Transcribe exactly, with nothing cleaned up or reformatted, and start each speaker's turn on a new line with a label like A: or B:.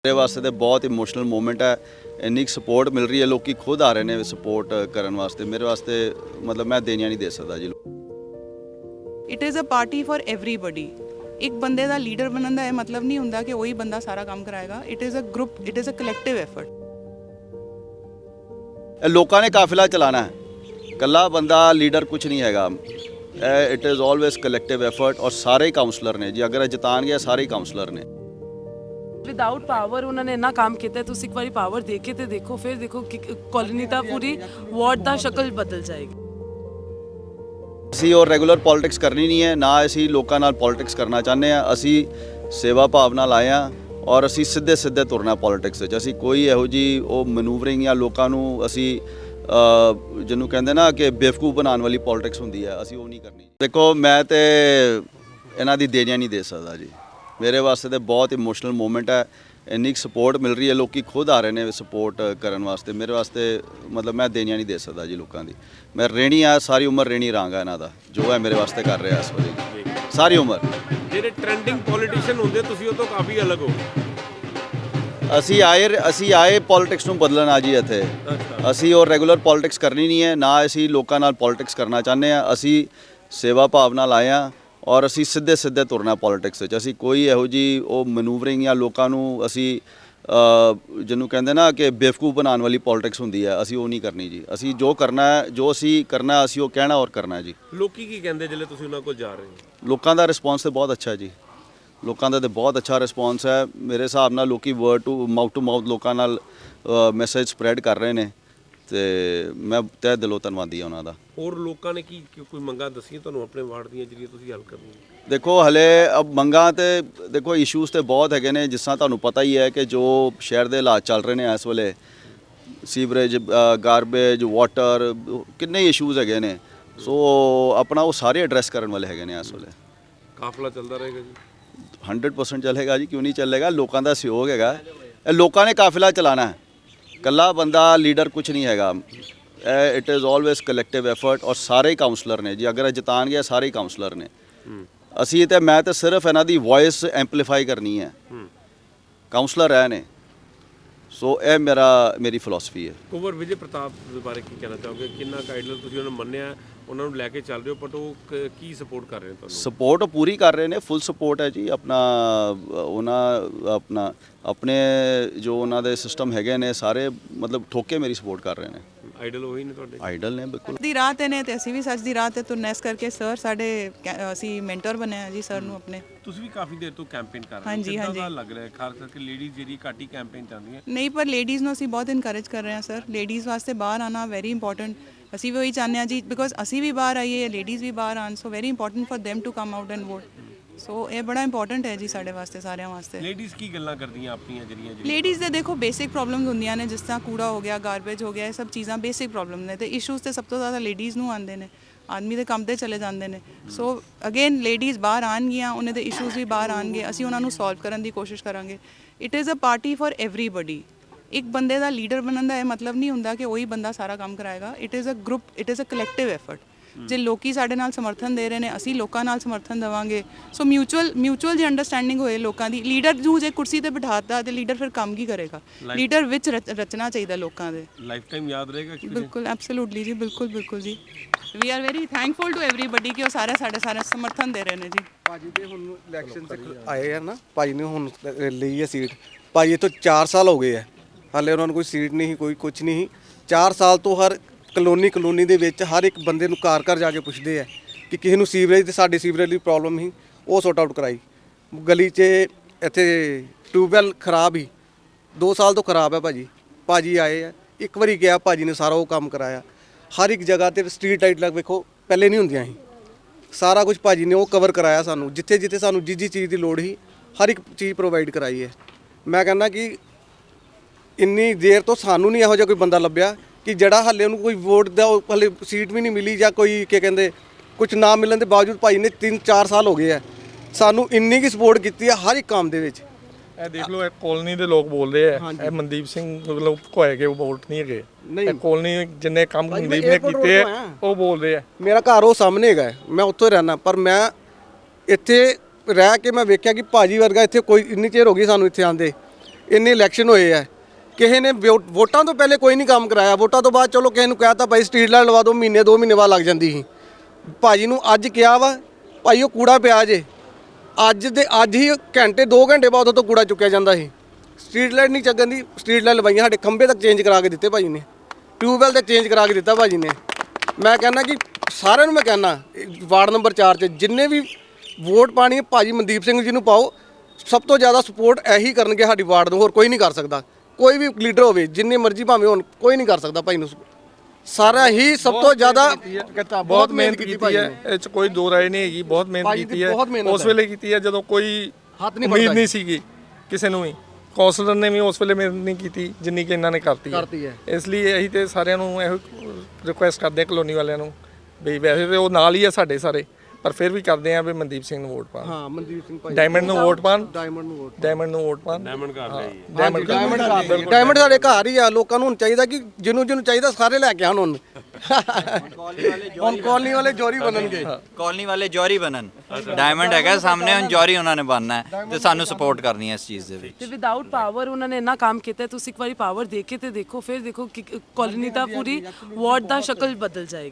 A: मेरे वास्ते तो बहुत इमोशनल मोमेंट है। इन्नी सपोर्ट मिल रही है, लोग खुद आ रहे हैं सपोर्ट करने वास्ते। मेरे वास्ते मतलब मैं देनिया नहीं दे सकता जी।
B: It is a party for everybody. एक बंदे का लीडर बनने का यह मतलब नहीं होंदा कि वही बंदा सारा काम कराएगा। It is a group, it is a collective effort.
A: लोगों ने काफिला चलाना है, कला बंदा लीडर कुछ नहीं हैगा। It is always collective effort और सारे ही काउंसलर ने जी। अगर जितान गया सारे ही काउंसलर ने।
C: विदाउट पावर उन्होंने इन्ना काम किया, तुम एक बार पावर देखे तो देखो, फिर देखो कि कॉलोनी का पूरी वार्ड का शक्ल बदल जाएगी।
A: ਅਸੀਂ और रेगुलर पॉलिटिक्स करनी नहीं है, ना ਅਸੀਂ ਲੋਕਾਂ ਨਾਲ पॉलिटिक्स करना चाहते हैं। ਅਸੀਂ सेवा भाव ਨਾਲ ਆਏ ਹਾਂ और ਅਸੀਂ ਸਿੱਧੇ ਸਿੱਧੇ ਤੁਰਨਾ ਪੋਲਿਟਿਕਸ ਵਿੱਚ। ਅਸੀਂ ਕੋਈ ਇਹੋ ਜੀ ਉਹ ਮੈਨੂਵਰਿੰਗ ਜਾਂ ਲੋਕਾਂ ਨੂੰ ਅਸੀਂ ਜਿਹਨੂੰ ਕਹਿੰਦੇ ਨਾ ਕਿ ਬੇਵਕੂਫ ਬਣਾਉਣ ਵਾਲੀ ਪੋਲਿਟਿਕਸ ਹੁੰਦੀ ਹੈ, ਅਸੀਂ ਉਹ ਨਹੀਂ ਕਰਨੀ। ਦੇਖੋ ਮੈਂ ਤੇ ਇਹਨਾਂ ਦੀ ਦੇਣੀਆਂ ਨਹੀਂ ਦੇ ਸਕਦਾ ਜੀ। ਮੇਰੇ ਵਾਸਤੇ ਤਾਂ ਬਹੁਤ ਇਮੋਸ਼ਨਲ ਮੂਮੈਂਟ ਹੈ। ਇੰਨੀ ਸਪੋਰਟ ਮਿਲ ਰਹੀ ਹੈ, ਲੋਕ ਖੁਦ ਆ ਰਹੇ ਨੇ ਸਪੋਰਟ ਕਰਨ ਵਾਸਤੇ। ਮੇਰੇ ਵਾਸਤੇ ਮਤਲਬ ਮੈਂ ਦੇਣੀਆਂ ਨਹੀਂ ਦੇ ਸਕਦਾ ਜੀ ਲੋਕਾਂ ਦੀ। ਮੈਂ ਰਹਿਣੀ ਆ, ਸਾਰੀ ਉਮਰ ਰਹਿਣੀ ਰਹਾਂਗਾ ਇਹਨਾਂ ਦਾ, ਜੋ ਹੈ ਮੇਰੇ ਵਾਸਤੇ ਕਰ ਰਿਹਾ ਇਸ ਵੇਲੇ ਸਾਰੀ ਉਮਰ।
D: ਜਿਹੜੇ ਟ੍ਰੈਂਡਿੰਗ ਪੋਲੀਟੀਸ਼ੀਅਨ ਹੁੰਦੇ ਤੁਸੀਂ ਉਹ ਤੋਂ ਕਾਫੀ ਅਲੱਗ ਹੋ।
A: ਅਸੀਂ ਆਏ ਅਸੀਂ ਆਏ ਪੋਲਿਟਿਕਸ ਨੂੰ ਬਦਲਣ ਆ ਜੀ ਇੱਥੇ। ਅਸੀਂ और ਰੈਗੂਲਰ ਪੋਲਿਟਿਕਸ ਕਰਨੀ ਨਹੀਂ ਹੈ, ਨਾ ਅਸੀਂ ਲੋਕਾਂ ਨਾਲ ਪੋਲਿਟਿਕਸ ਕਰਨਾ ਚਾਹੁੰਦੇ ਹਾਂ। ਅਸੀਂ ਸੇਵਾ ਭਾਵ ਨਾਲ ਆਏ ਹਾਂ और ਅਸੀਂ ਸਿੱਧੇ ਸਿੱਧੇ ਤੁਰਨਾ ਪੋਲਿਟਿਕਸ ਵਿੱਚ। ਅਸੀਂ ਕੋਈ ਇਹੋ ਜੀ ਉਹ ਮੈਨੂਵਰਿੰਗ ਜਾਂ ਲੋਕਾਂ ਨੂੰ ਅਸੀਂ ਜਿਹਨੂੰ ਕਹਿੰਦੇ ਨਾ ਕਿ ਬੇਵਕੂਫ ਬਣਾਉਣ ਵਾਲੀ ਪੋਲਿਟਿਕਸ ਹੁੰਦੀ ਹੈ, ਅਸੀਂ ਉਹ ਨਹੀਂ ਕਰਨੀ ਜੀ। ਅਸੀਂ ਜੋ ਕਰਨਾ ਹੈ, ਜੋ ਅਸੀਂ ਕਰਨਾ ਅਸੀਂ ਉਹ ਕਹਿਣਾ ਔਰ ਕਰਨਾ ਜੀ।
D: ਲੋਕੀ ਕੀ ਕਹਿੰਦੇ ਜਦੋਂ ਤੁਸੀਂ ਉਹਨਾਂ ਕੋਲ ਜਾ ਰਹੇ ਹੋ?
A: ਲੋਕਾਂ ਦਾ ਰਿਸਪੌਂਸ ਤਾਂ ਬਹੁਤ ਅੱਛਾ ਜੀ। ਲੋਕਾਂ ਦਾ ਤਾਂ ਬਹੁਤ ਅੱਛਾ ਰਿਸਪੌਂਸ ਹੈ। ਮੇਰੇ ਹਿਸਾਬ ਨਾਲ ਲੋਕੀ word to mouth to mouth ਲੋਕਾਂ ਨਾਲ ਮੈਸੇਜ ਸਪਰੈਡ ਕਰ ਰਹੇ ਨੇ ਤੇ ਮੈਂ ਤਹਿ ਦਿਲੋਂ ਧੰਨਵਾਦੀ ਹਾਂ ਉਹਨਾਂ ਦਾ। ਹੋਰ
D: ਲੋਕਾਂ ਨੇ ਕੀ ਕੋਈ ਮੰਗਾਂ ਦੱਸੀਆਂ ਤੁਹਾਨੂੰ ਆਪਣੇ ਵਾਰਡ ਦੀਆਂ ਜਿਹੜੀਆਂ ਤੁਸੀਂ ਹੱਲ ਕਰਨੀਆਂ?
A: ਦੇਖੋ ਹਲੇ ਅਬ ਮੰਗਾਂ ਤੇ ਦੇਖੋ ਇਸ਼ੂਜ਼ ਤੇ ਬਹੁਤ ਹੈਗੇ ਨੇ। ਜਿਸ ਤਰ੍ਹਾਂ ਤੁਹਾਨੂੰ ਪਤਾ ਹੀ ਹੈ ਕਿ ਜੋ ਸ਼ਹਿਰ ਦੇ ਹਾਲਾਤ ਚੱਲ ਰਹੇ ਨੇ ਇਸ ਵੇਲੇ, ਸੀਵਰੇਜ, ਗਾਰਬੇਜ, ਵਾਟਰ, ਕਿੰਨੇ ਇਸ਼ੂਜ਼ ਹੈਗੇ ਨੇ। ਸੋ ਆਪਣਾ ਉਹ ਸਾਰੇ ਐਡਰੈਸ ਕਰਨ ਵਾਲੇ ਹੈਗੇ ਨੇ ਇਸ ਵੇਲੇ।
D: ਕਾਫਲਾ ਚੱਲਦਾ ਰਹੇਗਾ ਜੀ?
A: ਹੰਡਰਡ ਪਰਸੈਂਟ ਚੱਲੇਗਾ ਜੀ, ਕਿਉਂ ਨਹੀਂ ਚੱਲੇਗਾ। ਲੋਕਾਂ ਦਾ ਸਹਿਯੋਗ ਹੈਗਾ। ਇਹ ਲੋਕਾਂ ਨੇ ਕਾਫਿਲਾ ਚਲਾਣਾ ਹੈ, ਕੱਲਾ ਬੰਦਾ ਲੀਡਰ ਕੁਝ ਨਹੀਂ ਹੈਗਾ। It is always collective effort और ਸਾਰੇ ਹੀ ਕਾਉਂਸਲਰ ਨੇ ਜੀ। ਅਗਰ ਜਿਤਾਨ ਗਿਆ ਸਾਰੇ ਹੀ ਕਾਉਂਸਲਰ ਨੇ। ਅਸੀਂ ਤੇ ਮੈਂ ਤਾਂ ਸਿਰਫ ਇਹਨਾਂ ਦੀ ਵੌਇਸ ਐਂਪਲੀਫਾਈ ਕਰਨੀ ਹੈ। ਕਾਉਂਸਲਰ ਹੈ ਨੇ, ਸੋ ਇਹ ਮੇਰਾ ਮੇਰੀ ਫਿਲਾਸਫੀ ਹੈ।
D: ਕੁੰਵਰ ਵਿਜੇ ਪ੍ਰਤਾਪ ਦੇ ਬਾਰੇ ਕੀ ਕਹਿਣਾ ਚਾਹੋਗੇ? ਕਿੰਨਾ ਕਾਈਡਲ ਤੁਸੀਂ ਉਹਨਾਂ ਨੂੰ ਮੰਨਿਆ, ਉਹਨਾਂ ਨੂੰ ਲੈ ਕੇ ਚੱਲ ਰਹੇ ਹੋ, ਬਟ ਉਹ ਕੀ ਸਪੋਰਟ ਕਰ ਰਹੇ ਨੇ ਤੁਹਾਨੂੰ?
A: ਸਪੋਰਟ ਪੂਰੀ ਕਰ ਰਹੇ ਨੇ, ਫੁੱਲ ਸਪੋਰਟ ਹੈ ਜੀ। ਆਪਣਾ ਉਹਨਾਂ ਆਪਣਾ ਆਪਣੇ ਜੋ ਉਹਨਾਂ ਦੇ ਸਿਸਟਮ ਹੈਗੇ ਨੇ ਸਾਰੇ ਮਤਲਬ ਠੋਕੇ ਮੇਰੀ ਸਪੋਰਟ ਕਰ ਰਹੇ ਨੇ।
D: ਆਈਡਲ ਉਹੀ ਨੇ ਤੁਹਾਡੇ?
A: ਆਈਡਲ ਨੇ ਬਿਲਕੁਲ।
B: ਦੀ ਰਾਹ ਤੇ ਨੇ ਤੇ ਅਸੀਂ ਵੀ ਸੱਚ ਦੀ ਰਾਹ ਤੇ ਤੁਰਨਾ, ਇਸ ਕਰਕੇ ਸਰ ਸਾਡੇ ਅਸੀਂ ਮੈਂਟਰ ਬਣੇ ਆ ਜੀ ਸਰ ਨੂੰ ਆਪਣੇ।
D: ਤੁਸੀਂ ਵੀ ਕਾਫੀ ਦੇਰ ਤੋਂ ਕੈਂਪੇਨ ਕਰ ਰਹੇ ਹੋ।
B: ਹਾਂਜੀ ਹਾਂਜੀ
D: ਲੱਗ ਰਿਹਾ ਖਾਸ ਕਰਕੇ ਲੇਡੀਜ਼ ਜਿਹੜੀ ਘੱਟ ਹੀ ਕੈਂਪੇਨ ਚਾਹੁੰਦੀਆਂ?
B: ਨਹੀਂ, ਪਰ ਲੇਡੀਜ਼ ਨੂੰ ਅਸੀਂ ਬਹੁਤ ਇਨਕਰੇਜ ਕਰ ਰਹੇ ਹਾਂ ਸਰ। ਲੇਡੀਜ਼ ਵਾਸਤੇ ਬਾਹਰ ਆਉਣਾ ਵੈਰੀ ਇੰਪੋਰਟੈਂਟ। ਅਸੀਂ ਵੀ ਉਹੀ ਚਾਹੁੰਦੇ ਹਾਂ ਜੀ, ਬਿਕੋਜ਼ ਅਸੀਂ ਵੀ ਬਾਹਰ ਆਈਏ, ਲੇਡੀਜ਼ ਵੀ ਬਾਹਰ ਆਉਣ। So very important for them to come out and vote. So ਇਹ ਬੜਾ ਇੰਪੋਰਟੈਂਟ ਹੈ ਜੀ ਸਾਡੇ ਵਾਸਤੇ, ਸਾਰਿਆਂ ਵਾਸਤੇ।
D: ਲੇਡੀਜ਼ ਕੀ ਗੱਲਾਂ ਕਰਦੀਆਂ ਆਪਣੀਆਂ ਜਿਹੜੀਆਂ?
B: ਲੇਡੀਜ਼ ਦੇ ਦੇਖੋ ਬੇਸਿਕ ਪ੍ਰੋਬਲਮਸ ਹੁੰਦੀਆਂ ਨੇ, ਜਿਸ ਤਰ੍ਹਾਂ ਕੂੜਾ ਹੋ ਗਿਆ, ਗਾਰਬੇਜ ਹੋ ਗਿਆ, ਇਹ ਸਭ ਚੀਜ਼ਾਂ ਬੇਸਿਕ ਪ੍ਰੋਬਲਮ ਨੇ। ਤੇ ਇਸ਼ੂਜ਼ ਤੇ ਸਭ ਤੋਂ ਜ਼ਿਆਦਾ ਲੇਡੀਜ਼ ਨੂੰ ਆਉਂਦੇ ਨੇ। ਆਦਮੀ ਦੇ ਕੰਮ ਤੇ ਚਲੇ ਜਾਂਦੇ ਨੇ। ਸੋ ਅਗੇਨ ਲੇਡੀਜ਼ ਬਾਹਰ ਆਉਣਗੀਆਂ, ਉਹਨਾਂ ਦੇ ਇਸ਼ੂਜ਼ ਵੀ ਬਾਹਰ ਆਉਣਗੇ, ਅਸੀਂ ਉਹਨਾਂ ਨੂੰ ਸੋਲਵ ਕਰਨ ਦੀ ਕੋਸ਼ਿਸ਼ ਕਰਾਂਗੇ। It is a party for everybody. ਇੱਕ ਬੰਦੇ ਦਾ ਲੀਡਰ ਬਣਨ ਦਾ ਇਹ ਮਤਲਬ ਨਹੀਂ ਹੁੰਦਾ ਕਿ ਉਹੀ ਬੰਦਾ ਸਾਰਾ ਕੰਮ ਕਰਾਏਗਾ। It is a group, it is a collective effort. ਜੇ ਲੋਕੀ ਸਾਡੇ ਨਾਲ ਸਮਰਥਨ ਦੇ ਰਹੇ ਨੇ, ਅਸੀਂ ਲੋਕਾਂ ਨਾਲ ਸਮਰਥਨ ਦੇਵਾਂਗੇ। ਸੋ ਮਿਊਚੁਅਲ ਮਿਊਚੁਅਲ ਜੇ ਅੰਡਰਸਟੈਂਡਿੰਗ ਹੋਏ ਲੋਕਾਂ ਦੀ। ਲੀਡਰ ਨੂੰ ਜੇ ਕੁਰਸੀ ਤੇ ਬਿਠਾਤਾ ਤੇ ਲੀਡਰ ਫਿਰ ਕੰਮ ਕੀ ਕਰੇਗਾ? ਲੀਡਰ ਵਿੱਚ ਰਚਨਾ ਚਾਹੀਦਾ ਲੋਕਾਂ ਦੇ।
D: ਲਾਈਫ ਟਾਈਮ ਯਾਦ ਰਹੇਗਾ?
B: ਬਿਲਕੁਲ, ਐਬਸੋਲੂਟਲੀ ਜੀ, ਬਿਲਕੁਲ ਬਿਲਕੁਲ ਜੀ। We are very thankful to everybody ਕਿ ਉਹ ਸਾਰੇ ਸਾਡੇ ਸਾਰੇ ਸਮਰਥਨ ਦੇ ਰਹੇ ਨੇ ਜੀ।
E: ਭਾਜੀ ਦੇ ਹੁਣ ਇਲੈਕਸ਼ਨ ਤੱਕ ਆਏ ਆ ਨਾ, ਭਾਜੀ ਨੇ ਹੁਣ ਲਈ ਹੈ ਸੀਟ। ਭਾਜੀ ਤੋਂ ਚਾਰ ਸਾਲ ਹੋ ਗਏ ਆ, ਹਾਲੇ ਉਹਨਾਂ ਨੂੰ ਕੋਈ ਸੀਟ ਨਹੀਂ, ਕੋਈ ਕੁਝ ਨਹੀਂ। ਚਾਰ ਸਾਲ ਤੋਂ ਹਰ ਕਲੋਨੀ ਕਲੋਨੀ ਦੇ ਵਿੱਚ ਹਰ ਇੱਕ ਬੰਦੇ ਨੂੰ ਘਰ ਘਰ ਜਾ ਕੇ ਪੁੱਛਦੇ ਆ ਕਿ ਕਿਸੇ ਨੂੰ ਸੀਵਰੇਜ ਤੇ ਸਾਡੇ ਸੀਵਰੇਜ ਦੀ ਪ੍ਰੋਬਲਮ ਸੀ, ਉਹ ਸੌਟ ਆਊਟ ਕਰਾਈ। ਗਲੀ 'ਚ ਇੱਥੇ ਟਿਊਬਵੈੱਲ ਖਰਾਬ ਹੀ ਦੋ ਸਾਲ ਤੋਂ ਖਰਾਬ ਹੈ ਭਾਜੀ। ਭਾਜੀ ਆਏ ਆ, ਇੱਕ ਵਾਰੀ ਗਿਆ, ਭਾਜੀ ਨੇ ਸਾਰਾ ਉਹ ਕੰਮ ਕਰਾਇਆ। ਹਰ ਇੱਕ ਜਗ੍ਹਾ ਤੇ ਸਟਰੀਟ ਲਾਈਟ ਲੱਗ ਵੇਖੋ, ਪਹਿਲੇ ਨਹੀਂ ਹੁੰਦੀਆਂ ਸੀ। ਸਾਰਾ ਕੁਝ ਭਾਜੀ ਨੇ ਉਹ ਕਵਰ ਕਰਾਇਆ ਸਾਨੂੰ। ਜਿੱਥੇ ਜਿੱਥੇ ਸਾਨੂੰ ਜਿਸ ਜਿਸ ਚੀਜ਼ ਦੀ ਲੋੜ ਸੀ, ਹਰ ਇੱਕ ਚੀਜ਼ ਪ੍ਰੋਵਾਈਡ ਕਰਾਈ ਹੈ। ਮੈਂ ਕਹਿੰਦਾ ਕਿ ਇੰਨੀ ਦੇਰ ਤੋਂ ਸਾਨੂੰ ਨਹੀਂ ਇਹੋ ਜਿਹਾ ਕੋਈ ਬੰਦਾ ਲੱਭਿਆ ਕਿ ਜਿਹੜਾ ਹਾਲੇ ਉਹਨੂੰ ਕੋਈ ਵੋਟ ਦਾ ਹਾਲੇ ਸੀਟ ਵੀ ਨਹੀਂ ਮਿਲੀ ਜਾਂ ਕੋਈ ਕੀ ਕਹਿੰਦੇ ਕੁਝ ਨਾ ਮਿਲਣ ਦੇ ਬਾਵਜੂਦ ਭਾਈ ਨੇ ਤਿੰਨ ਚਾਰ ਸਾਲ ਹੋ ਗਏ ਆ ਸਾਨੂੰ ਇੰਨੀ ਕੀ ਸਪੋਰਟ ਕੀਤੀ ਹੈ ਹਰ ਇੱਕ ਕੰਮ ਦੇ ਵਿੱਚ।
F: ਇਹ ਦੇਖ ਲਓ, ਇਹ ਕਾਲੋਨੀ ਦੇ ਲੋਕ ਬੋਲਦੇ ਆ, ਇਹ ਮਨਦੀਪ ਸਿੰਘ ਮਤਲਬ ਕੋਏ ਕੇ ਉਹ ਵੋਟ ਨਹੀਂ ਹੈਗੇ। ਇਹ ਕਾਲੋਨੀ ਜਿੰਨੇ ਕੰਮ ਮਨਦੀਪ ਨੇ ਕੀਤੇ ਆ ਉਹ ਬੋਲਦੇ ਆ।
E: ਮੇਰਾ ਘਰ ਉਹ ਸਾਹਮਣੇ ਹੈਗਾ, ਮੈਂ ਉੱਥੋਂ ਹੀ ਰਹਿਣਾ, ਪਰ ਮੈਂ ਇੱਥੇ ਰਹਿ ਕੇ ਮੈਂ ਵੇਖਿਆ ਕਿ ਭਾਜੀ ਵਰਗਾ ਇੱਥੇ ਕੋਈ ਇੰਨੀ ਚਿਰ ਹੋ ਗਈ ਸਾਨੂੰ ਇੱਥੇ ਆਂਦੇ। ਇੰਨੇ ਇਲੈਕਸ਼ਨ ਹੋਏ ਆ, ਕਿਸੇ ਨੇ ਵੋ- ਵੋਟਾਂ ਤੋਂ ਪਹਿਲੇ ਕੋਈ ਨਹੀਂ ਕੰਮ ਕਰਾਇਆ, ਵੋਟਾਂ ਤੋਂ ਬਾਅਦ ਚਲੋ ਕਿਸੇ ਨੂੰ ਕਹਿਤਾ ਭਾਈ ਸਟਰੀਟ ਲਾਈਟ ਲਵਾ ਦਿਓ, ਮਹੀਨੇ ਦੋ ਮਹੀਨੇ ਬਾਅਦ ਲੱਗ ਜਾਂਦੀ ਸੀ। ਭਾਜੀ ਨੂੰ ਅੱਜ ਕਿਹਾ ਵਾ ਭਾਈ ਉਹ ਕੂੜਾ ਪਿਆ ਜੇ, ਅੱਜ ਦੇ ਅੱਜ ਹੀ ਘੰਟੇ ਦੋ ਘੰਟੇ ਬਾਅਦ ਉਹ ਤੋਂ ਕੂੜਾ ਚੁੱਕਿਆ ਜਾਂਦਾ ਸੀ। ਸਟਰੀਟ ਲਾਈਟ ਨਹੀਂ ਚੱਗਣ ਦੀ, ਸਟਰੀਟ ਲਾਈਟ ਲਵਾਈਆਂ, ਸਾਡੇ ਖੰਭੇ ਤੱਕ ਚੇਂਜ ਕਰਾ ਕੇ ਦਿੱਤੇ ਭਾਜੀ ਨੇ, ਟਿਊਬਵੈਲ ਤੇ ਚੇਂਜ ਕਰਾ ਕੇ ਦਿੱਤਾ ਭਾਜੀ ਨੇ। ਮੈਂ ਕਹਿੰਦਾ ਕਿ ਸਾਰਿਆਂ ਨੂੰ ਮੈਂ ਕਹਿੰਦਾ ਵਾਰਡ ਨੰਬਰ ਚਾਰ 'ਚ ਜਿੰਨੇ ਵੀ ਵੋਟ ਪਾਣੀ ਹੈ ਭਾਜੀ ਮਨਦੀਪ ਸਿੰਘ ਜੀ ਨੂੰ ਪਾਓ। ਸਭ ਤੋਂ ਜ਼ਿਆਦਾ ਸਪੋਰਟ ਇਹੀ ਕਰਨਗੇ ਸਾਡੀ ਵਾਰਡ ਨੂੰ, ਹੋਰ ਕੋਈ ਨਹੀਂ ਕਰ ਸਕਦਾ। ਕੋਈ ਵੀ ਲੀਡਰ ਹੋਵੇ ਜਿੰਨੇ ਮਰਜ਼ੀ ਭਾਵੇਂ ਹੋਣ, ਕੋਈ ਨਹੀਂ ਕਰ ਸਕਦਾ ਭਾਈ ਨੂੰ। ਸਾਰਾ ਹੀ ਸਭ ਤੋਂ ਜ਼ਿਆਦਾ
F: ਬਹੁਤ ਮਿਹਨਤ ਕੀਤੀ ਹੈ, ਇਹ ਚ ਕੋਈ ਦੋ ਰਾਏ ਨਹੀਂ ਹੈਗੀ। ਬਹੁਤ ਮਿਹਨਤ
E: ਭਾਜੀ ਦੀ
F: ਕੀਤੀ ਹੈ,
E: ਬਹੁਤ ਮਿਹਨਤ
F: ਉਸ
E: ਹੈ।
F: ਵੇਲੇ ਕੀਤੀ ਹੈ ਜਦੋਂ ਕੋਈ
E: ਹੱਥ ਨਹੀਂ
F: ਉਮੀਦ
E: ਫੜਦਾ
F: ਨਹੀਂ ਸੀਗੀ ਕਿਸੇ ਨੂੰ ਵੀ। ਕੌਂਸਲਰ ਨੇ ਵੀ ਉਸ ਵੇਲੇ ਮਿਹਨਤ ਨਹੀਂ ਕੀਤੀ ਜਿੰਨੀ ਕਿ ਇਹਨਾਂ ਨੇ ਕਰਤੀ
E: ਕਰਤੀ ਹੈ।
F: ਇਸ ਲਈ ਅਸੀਂ ਤੇ ਸਾਰਿਆਂ ਨੂੰ ਇਹੋ ਰਿਕੁਐਸਟ ਕਰਦੇ ਹਾਂ ਕਲੋਨੀ ਵਾਲਿਆਂ ਨੂੰ ਵੀ ਵੈਸੇ ਤੇ ਉਹ ਨਾਲ ਹੀ ਆ ਸਾਡੇ ਸਾਰੇ, ਪਰ ਫਿਰ ਵੀ ਕਰਦੇ ਆ ਵੀ ਮਨਦੀਪ ਸਿੰਘ ਨੂੰ ਵੋਟ ਪਾਣ,
E: ਹਾਂ ਮਨਦੀਪ ਸਿੰਘ ਭਾਈ
F: ਡਾਇਮੰਡ ਨੂੰ ਵੋਟ ਪਾਣ,
E: ਡਾਇਮੰਡ ਨੂੰ ਵੋਟ
F: ਡਾਇਮੰਡ ਨੂੰ ਵੋਟ ਪਾਣ।
D: ਡਾਇਮੰਡ ਘਰ ਲਈ
F: ਡਾਇਮੰਡ
E: ਡਾਇਮੰਡ ਘਰ ਡਾਇਮੰਡ ਸਾਡੇ ਘਰ ਹੀ ਆ। ਲੋਕਾਂ ਨੂੰ ਹੁਣ ਚਾਹੀਦਾ ਕਿ ਜਿਹਨੂੰ ਜਿਹਨੂੰ ਚਾਹੀਦਾ ਸਾਰੇ ਲੈ ਕੇ ਆਉਣ। ਹੁਣ ਹੁਣ ਕਾਲਨੀ ਵਾਲੇ ਜੋਰੀ ਬਣਨਗੇ।
G: ਕਾਲਨੀ ਵਾਲੇ ਜੌਹਰੀ ਬਣਨ। ਡਾਇਮੰਡ ਹੈਗਾ ਸਾਹਮਣੇ, ਹੁਣ ਜੌਹਰੀ ਉਹਨਾਂ ਨੇ ਬਣਨਾ ਹੈ ਤੇ ਸਾਨੂੰ ਸਪੋਰਟ ਕਰਨੀ ਹੈ ਇਸ ਚੀਜ਼ ਦੇ ਵਿੱਚ।
C: ਤੇ ਵਿਦਆਊਟ ਪਾਵਰ ਉਹਨਾਂ ਨੇ ਇੰਨਾ ਕੰਮ ਕੀਤਾ, ਤੁਸੀਂ ਇੱਕ ਵਾਰੀ ਪਾਵਰ ਦੇ ਕੇ ਤੇ ਦੇਖੋ, ਫਿਰ ਦੇਖੋ ਕਿ ਕਾਲੋਨੀ ਦਾ ਪੂਰੀ ਵਾਰਡ ਦਾ ਸ਼ਕਲ ਬਦਲ ਜਾਏਗੀ।